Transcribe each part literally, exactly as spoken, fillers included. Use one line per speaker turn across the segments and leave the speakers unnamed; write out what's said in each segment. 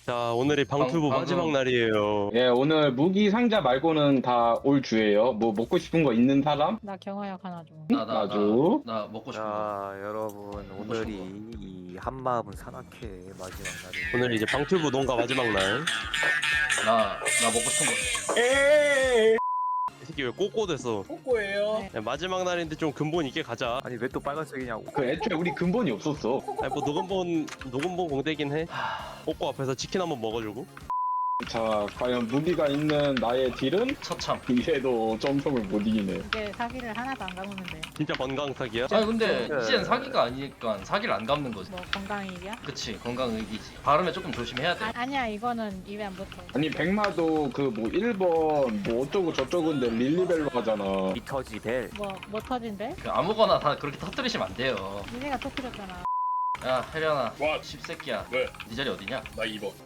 자, 오늘이 방투부
방-
마지막
방금-
날이에요.
예, 오늘 무기 상자 말고는 다 올 주예요. 뭐 먹고 싶은 거 있는 사람?
나 경화약 하나 줘.
나 나 나
아주.
나 먹고 싶은 거.
자 여러분 오늘이 이 한마음은 산악회 마지막 날이
오늘 이제 방투부 농가 마지막 날.
나 나 먹고 싶은 거.
이 새끼 왜 꼬꼬됐어?
꼬꼬예요.
야, 마지막 날인데 좀 근본 있게 가자.
아니 왜 또 빨간색이냐고.
그 애초에 우리 근본이 없었어.
아니 뭐 녹음본 녹음본 공대긴 해.
하,
꼬꼬 앞에서 치킨 한번 먹어주고.
자, 과연 무기가 있는 나의 딜은?
처참.
이래도 점성을 못 이기네.
이게 사기를 하나도 안 감으면 돼.
진짜 건강 사기야?
아니 근데
네.
이젠 사기가 아니니까 사기를 안 갚는 거지.
뭐 건강이야?
그치, 건강의기지. 발음에 조금 조심해야 돼.
아, 아니야 이거는 입에 안 붙어.
아니, 백마도 그 뭐 일 번 뭐 어쩌고 저쩌고인데 릴리벨로 하잖아.
미터지 벨.
뭐뭐 터진대?
그 아무거나 다 그렇게 터뜨리시면 안 돼요.
니네가 터뜨렸잖아.
야, 혜련아.
와.
십새끼야.
왜?
네 자리 어디냐?
나 이 번.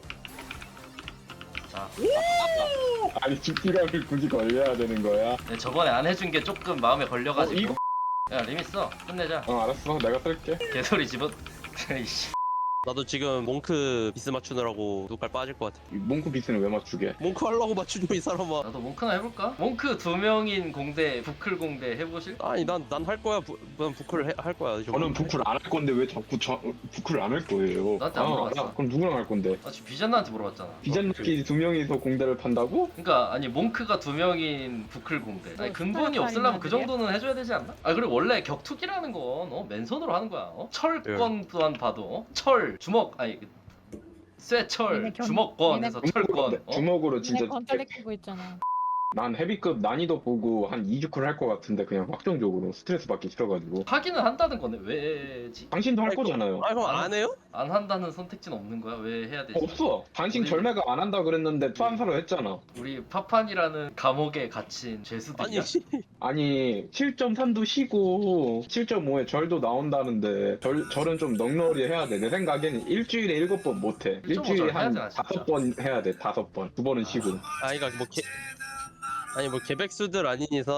자,
아니, 집기감을 굳이 걸려야 되는 거야.
네, 저번에 안 해준 게 조금 마음에
어,
걸려가지고.
이거?
야, 리미 써. 끝내자.
어, 알았어. 내가 쓸게.
개소리 집어. 이씨.
나도 지금 몽크 비스 맞추느라고 눈깔 빠질 것 같아.
이 몽크 비스는 왜 맞추게?
몽크 하려고 맞추죠 이 사람아.
나도 몽크나 해볼까? 몽크 두 명인 공대, 부클 공대 해보실?
아니 난 난 할 거야. 부, 난 부클을 해- 할 거야.
저는 부클 안 할 건데 왜 자꾸 저 부클을 안 할 거예요?
나한테 안
아,
물어봤어.
야, 그럼 누구랑 할 건데?
아, 지금 비전나한테 물어봤잖아.
비전끼리 두 명이서 공대를 판다고?
그러니까 아니 몽크가 두 명인 부클 공대. 아니
뭐
근본이
스타일이
없으려면 그
아니야?
정도는 해줘야 되지 않나? 아 그리고 원래 격투기라는 건 어, 맨손으로 하는 거야. 어? 철권 또한 봐도 어? 철 주먹 아니 그, 쇠철
얘네 견-
주먹권에서 철권. 어?
주먹으로 진짜
니네 건떨리 끼고 있잖아.
난 헤비급 난이도 보고 한 이 주쿨 할 것 같은데 그냥 확정적으로 스트레스 받기 싫어가지고.
하기는 한다는 거네. 왜지?
당신도 할
아이고.
거잖아요.
아 그럼 안 해요?
안 한다는 선택지는 없는 거야? 왜 해야 되지?
없어. 당신
우리-
절매가 안 한다 그랬는데 투한사로 했잖아.
우리 파판이라는 감옥에 갇힌 죄수들이야.
아니 씨.
아니 칠 점 삼도 쉬고 칠 점 오에 절도 나온다는데 절, 절은 좀 넉넉히 해야 돼. 내 생각에는 일주일에 일곱 번 못해.
일 점 오
일주일에
절
한
해야지, 진짜.
다섯 번 해야 돼. 다섯 번. 두 번은 쉬고.
아니 그러니까 뭐 개, 아니 뭐 개백수들 아닌 이상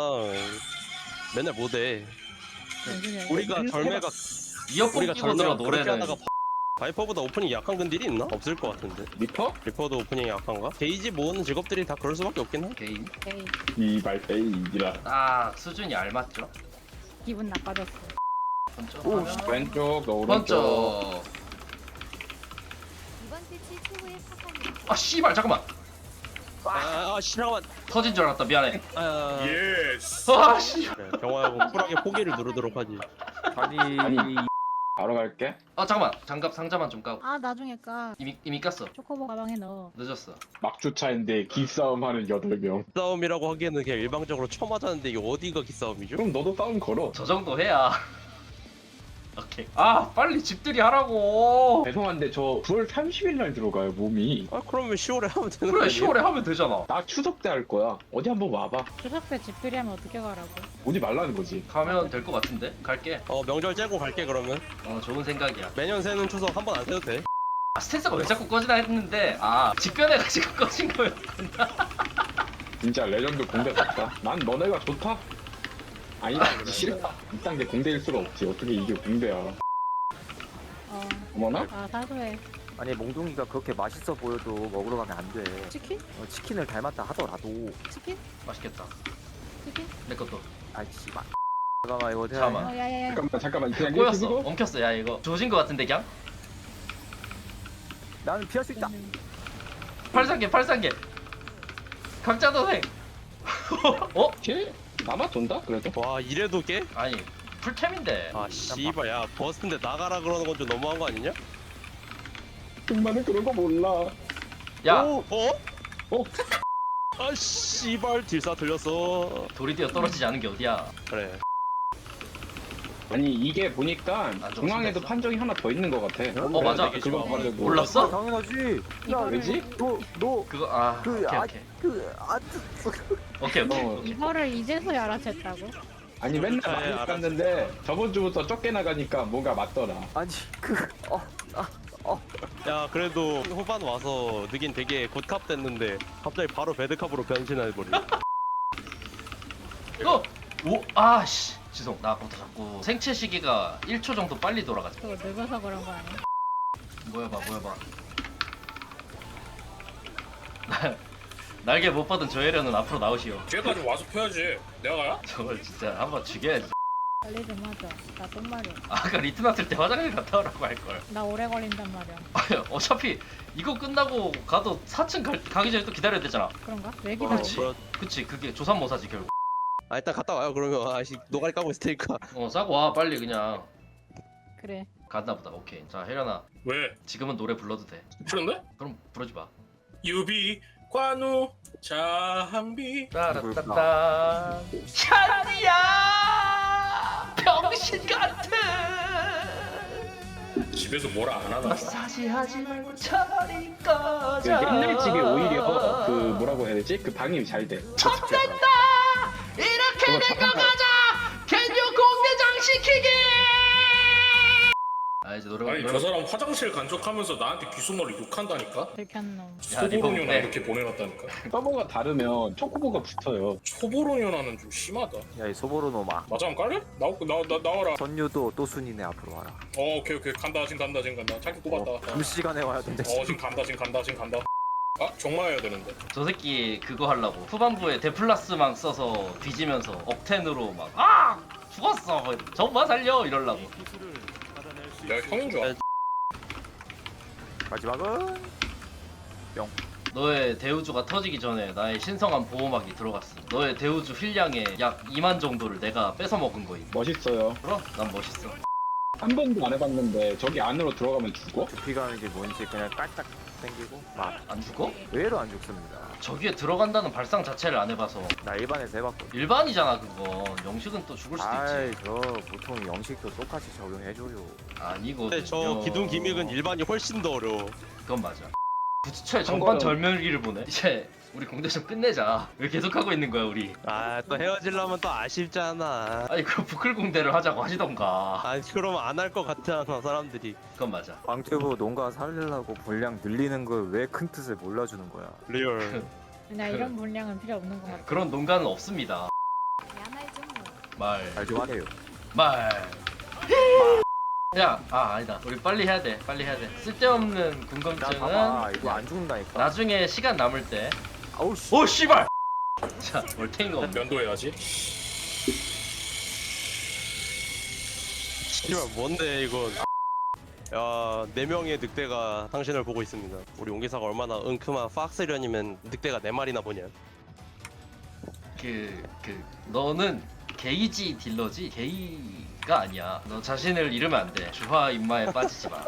맨날 못해. 우리가 절매가
이어폰
우리가
끼고 들어
절매가 그렇게
노래는.
하다가 바이퍼보다 오프닝 약한 근딜이 있나? 없을 것 같은데.
리퍼?
리퍼도 오프닝이 약한가? 게이지 모으는 직업들이 다 그럴 수밖에 없긴 해.
개인.
에이,
이 말페이라.
아 수준이 알맞죠?
기분 나빠졌어.
번쩍
오,
하면
왼쪽, 너 오른쪽.
번쩍.
이번 패치 최고의 파판이
아 씨발 잠깐만.
아, 아, 씨, 잠깐만.
터진 줄 알았다. 미안해.
아,
예스.
아 씨.
그래, 경화하고 쿨하게 포기를 누르도록 하지.
아니,
아니. 바로 갈게.
아 잠깐만. 장갑 상자만 좀 까고.
아 나중에 까.
이미 이미 깠어.
초코보 가방에 넣어.
늦었어.
막주차인데 기싸움 하는 여덟 명.
싸움이라고 하기에는 그냥 일방적으로 쳐맞았는데 이게 어디가 기싸움이죠?
그럼 너도 싸움 걸어.
저 정도 해야. 오케이. 아 빨리 집들이 하라고.
죄송한데 저 구월 삼십일 날 들어가요 몸이.
아 그러면 시월에 하면 되는 거
그래
아니에요?
시월에 하면 되잖아.
나 추석 때 할 거야. 어디 한번 와봐.
추석 때 집들이 하면 어떻게 가라고?
오지 말라는 거지.
가면 될 것 같은데. 갈게.
어 명절 째고 갈게 그러면.
어 좋은 생각이야.
매년 새는 추석 한 번 안 새도 돼.
아 스탠스가 왜 자꾸 꺼지나 했는데 아 직변해가지고 꺼진 거였구나.
진짜 레전드 공대 같다. 난 너네가 좋다. 아니다. 싫다. 이 단계 공대일 수가 없지. 어떻게 이게 공대야.
어.
어머나?
아 사소해.
아니 몽둥이가 그렇게 맛있어 보여도 먹으러 가면 안 돼.
치킨?
어, 치킨을 닮았다 하더라도.
치킨?
맛있겠다.
치킨?
내 것도.
아이 씨발. 잠깐만 이거 어떻게
잠깐만.
하냐?
어 야야야.
잠깐만 잠깐만 그냥 이렇게
꼬였어.
쓰고.
엉켰어. 야 이거 조진 거 같은데 그냥.
나는 피할 수 있다.
팔상계 팔상계. 각자 도생. 어?
걔 나만 돈다? 그래도?
와 이래도 깨?
아니 풀템인데.
아 씨발 야 버스인데 나가라 그러는 건 좀 너무한 거 아니냐?
정말은 그런 거 몰라.
야
오, 어?
어?
아 씨발 딜사 들렸어.
돌이 뛰어 떨어지지 않은 게 어디야?
그래.
아니 이게 보니까
좀
중앙에도
심했어.
판정이 하나 더 있는 거 같아.
어, 맞아.
그거 가지고.
아,
몰랐어?
당연하지. 야,
왜지?
너너
그거 아
그,
오케이
아,
오케이
그, 아,
오케이 오케이.
어,
이거를 이제서야 알아챘다고?
아니 맨날
아, 예,
많이
알았어.
갔는데 저번 주부터 쫓겨 나가니까 뭔가 맞더라.
아니 그, 어, 아, 어.
야 그래도 후반 와서 느긴 되게 굿캅 됐는데 갑자기 바로 배드캅으로 변신해버려.
어! 오! 아씨 죄송 나 아까부터 자꾸 생체 시기가 일 초 정도 빨리 돌아가지.
그거 늙어서 그런 거 아니야?
뭐야 봐 뭐야 봐. 날개 못 받은 저혜련은 앞으로 나오시오.
뒤에까지 와서 펴야지. 내가 가야?
저걸 진짜 한번 죽여야지.
빨리 좀 하자. 나 똥마려.
아까 리트 났을 때 화장실 갔다 오라고 할걸.
나 오래 걸린단 말이야.
아니, 어차피 이거 끝나고 가도 사 층 갈, 가기 전에 또 기다려야 되잖아.
그런가? 왜
어,
기다려?
그렇-
그치, 그게 조삼모사지 결국.
아 일단 갔다 와요. 그러면 아씨 노가리 까고 있을 테니까.
어 싸고 와 빨리 그냥.
그래.
갔나 보다. 오케이. 자 혜련아,
왜?
지금은 노래 불러도 돼.
싫은데?
그럼 부르지 마.
유비 관우 자한비.
따라따따. 찬이야, 병신 같은.
집에서 뭐라 안 하나?
마사지 하지 말고 차라리
그
꺼져.
옛날 집이 오히려 그 뭐라고 해야 되지? 그 방이 잘 돼.
쳤댄다. 이렇게
그거
된 거
잠깐만.
가자. 개녀 공대장 시키기. 아 이제 노래
아니
노래-
저 사람 화장실 간척하면서 나한테 귓속말로 욕한다니까?
들켰노.
야,
초보로녀나
리본 빼.
이렇게 보내놨다니까?
서버가 다르면 초코보가 붙어요.
초보로녀나는 좀 심하다.
야 이 소보로노마
맞아 한번 깔래? 나오, 나, 나, 나와라.
선유도 또 순이네 앞으로 와라.
어 오케이 오케이 간다 지금 간다 지금 간다. 자기 꼽았다.
어, 두 시간에 와야 된대.
어 지금 간다 지금 간다 지금 간다. 아 정말 해야 되는데.
저 새끼 그거 하려고 후반부에 데플라스망 써서 뒤지면서 억텐으로 막 아! 죽었어! 뭐, 정말 살려! 이럴라고.
내가 형인 줄 알아.
마지막은
너의 대우주가 터지기 전에 나의 신성한 보호막이 들어갔어. 너의 대우주 힐량의 약 이만 정도를 내가 뺏어 먹은 거임.
멋있어요.
그럼 난 멋있어.
한 번도 안 해봤는데 저기 안으로 들어가면 죽어?
두피 가는 게 뭔지 그냥 깔딱 당기고 막
안 죽어?
의외로 안 죽습니다.
저기에 들어간다는 발상 자체를 안 해봐서
나 일반에서 해봤거든.
일반이잖아 그건. 영식은 또 죽을 수도
아이
있지.
저 보통 영식도 똑같이 적용해줘요.
아니거든요.
근데 저 기둥 기믹은 일반이 훨씬 더 어려워.
그건 맞아. 부츠처의
한
전반
거는-
절멸기를 보네. 이제 우리 공대 좀 끝내자. 왜 계속 하고 있는 거야 우리?
아 또 헤어지려면 또 아쉽잖아.
아니 그럼 부클 공대를 하자고 하시던가.
아니 그러면 안 할 것 같잖아 사람들이.
그건 맞아.
광튜브 농가 살리려고 분량 늘리는 걸 왜 큰 뜻을 몰라주는 거야.
리얼.
나 이런 분량은 필요 없는 것 같아.
그런 농가는 없습니다.
야말 좀 뭐.
말.
잘 좀 하세요.
말. 야, 아 아니다. 우리 빨리 해야 돼. 빨리 해야 돼. 쓸데없는
야
궁금증은
봐봐 이거 안 죽는다니까.
나중에 시간 남을 때.
아우 씨.
오 씨발. 자, 월탱이가 없네.
면도해야지.
씨발 뭔데 이건. 야, 네 명의 늑대가 당신을 보고 있습니다. 우리 용기사가 얼마나 은큼한 팍스련이면 늑대가 네 마리나 보냐.
그, 그 너는 게이지 딜러지 게이가 아니야. 너 자신을 잃으면 안 돼. 주화 인마에 빠지지 마.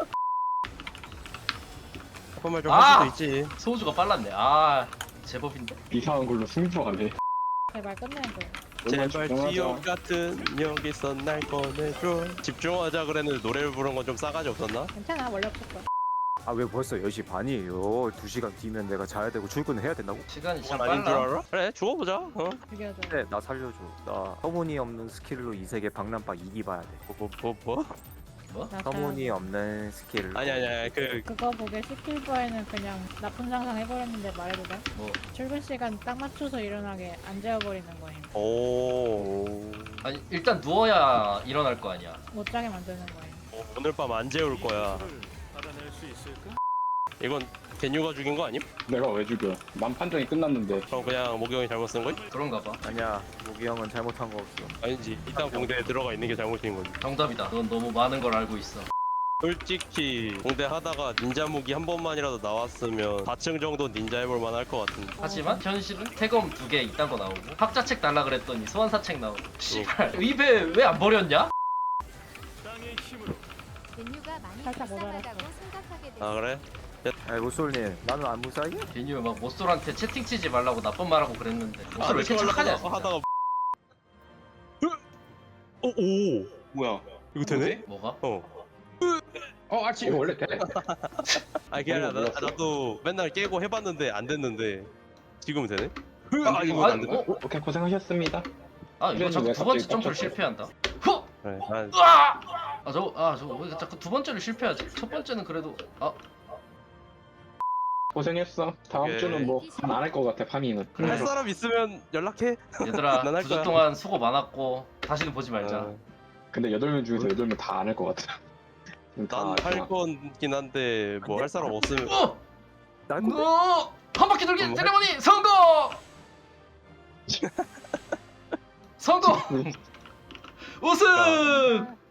그런 말좀
아!
할 수도 있지.
소우주가 빨랐네. 아 제법인데.
이상한 걸로 승부하네.
제발 끝내줘.
정말
제발
집중하자.
지옥 같은 여기서 날 꺼내줘. 집중하자 그랬는데 노래를 부른 건 좀 싸가지 없었나?
괜찮아. 원래 없었어.
아 왜 벌써 열 시 반이에요? 두 시간 뒤면 내가 자야 되고 출근을 해야 된다고?
시간이 참
그건 아닌 줄
빨라.
알아? 그래 죽어보자. 어?
죽여줘.
네, 나 살려줘. 나 터무니없는 스킬로 이 세계 박람박 이기 봐야 돼.
뭐 뭐 뭐?
뭐?
나
터무니없는 스킬로.
아니 아니 아니 그
그거 보게 시킬 바에는 그냥 나쁜 상상 해버렸는데 말해도 돼?
뭐?
출근 시간 딱 맞춰서 일어나게 안 재워버리는 거임.
오.
아니 일단 누워야 일어날 거 아니야.
못 자게 만드는 거임.
어, 오늘 밤 안 재울 거야. 이건 개뉴가 죽인 거 아님?
내가 왜 죽여? 난 판정이 끝났는데.
그럼 그냥 모경이 잘못 쓴 거임?
그런가 봐.
아니야, 모기 형은 잘못한 거 없어.
아니지. 일단 공대에 들어가 있는 게 잘못인 거지.
정답이다. 넌 너무 많은 걸 알고 있어.
솔직히 공대 하다가 닌자 무기 한 번만이라도 나왔으면 사 층 정도 닌자 해볼 만할 것 같은데.
하지만 현실은 태검 두 개 이딴 거 나오고 학자책 달라 그랬더니 소환사책 나오고. 씨발 의배 왜 안 버렸냐?
메뉴가 많이
살짝 모자랐어.
불쌍하다고 생각하게 돼.
아 그래?
아이 모쏠님, 나는 안 무사해?
괜히 막 모쏠한테 채팅 치지 말라고 나쁜 말하고 그랬는데 모쏠 왜 이렇게
하려고
착하냐?
하다가 하다가 오, 오
뭐야?
이거 되네?
뭐가?
어.
어, 아 지금 원래 돼.
아 그게 아니라 나,
몰랐어.
나도 맨날 깨고 해봤는데 안 됐는데 지금은 되네?
아,
아
이거
이거
아니,
안 되네?
어?
오, 오케이 고생하셨습니다.
아 이거
이랬는데
자꾸
왜
두 번째
갑자기
점프를
깜짝
실패한다. 후!
그래, 난
으아! 아 저거 아 저거 왜 자꾸 두 번째를 실패하지? 첫 번째는 그래도 아
고생했어. 다음
오케이.
주는 뭐 안 할 것 같아 파밍은.
할 사람 있으면 연락해.
얘들아
난할
두 주
거야.
동안 수고 많았고 다시는 보지 말자.
어,
근데 여덟 명 중에서 여덟 명 다 안 할 것 같아. 다
난할
그냥
거긴 한데 뭐 할 사람 없으면
어!
난
어! 한 바퀴 바퀴 돌기
음,
세레머니 성공. 성공. 우승.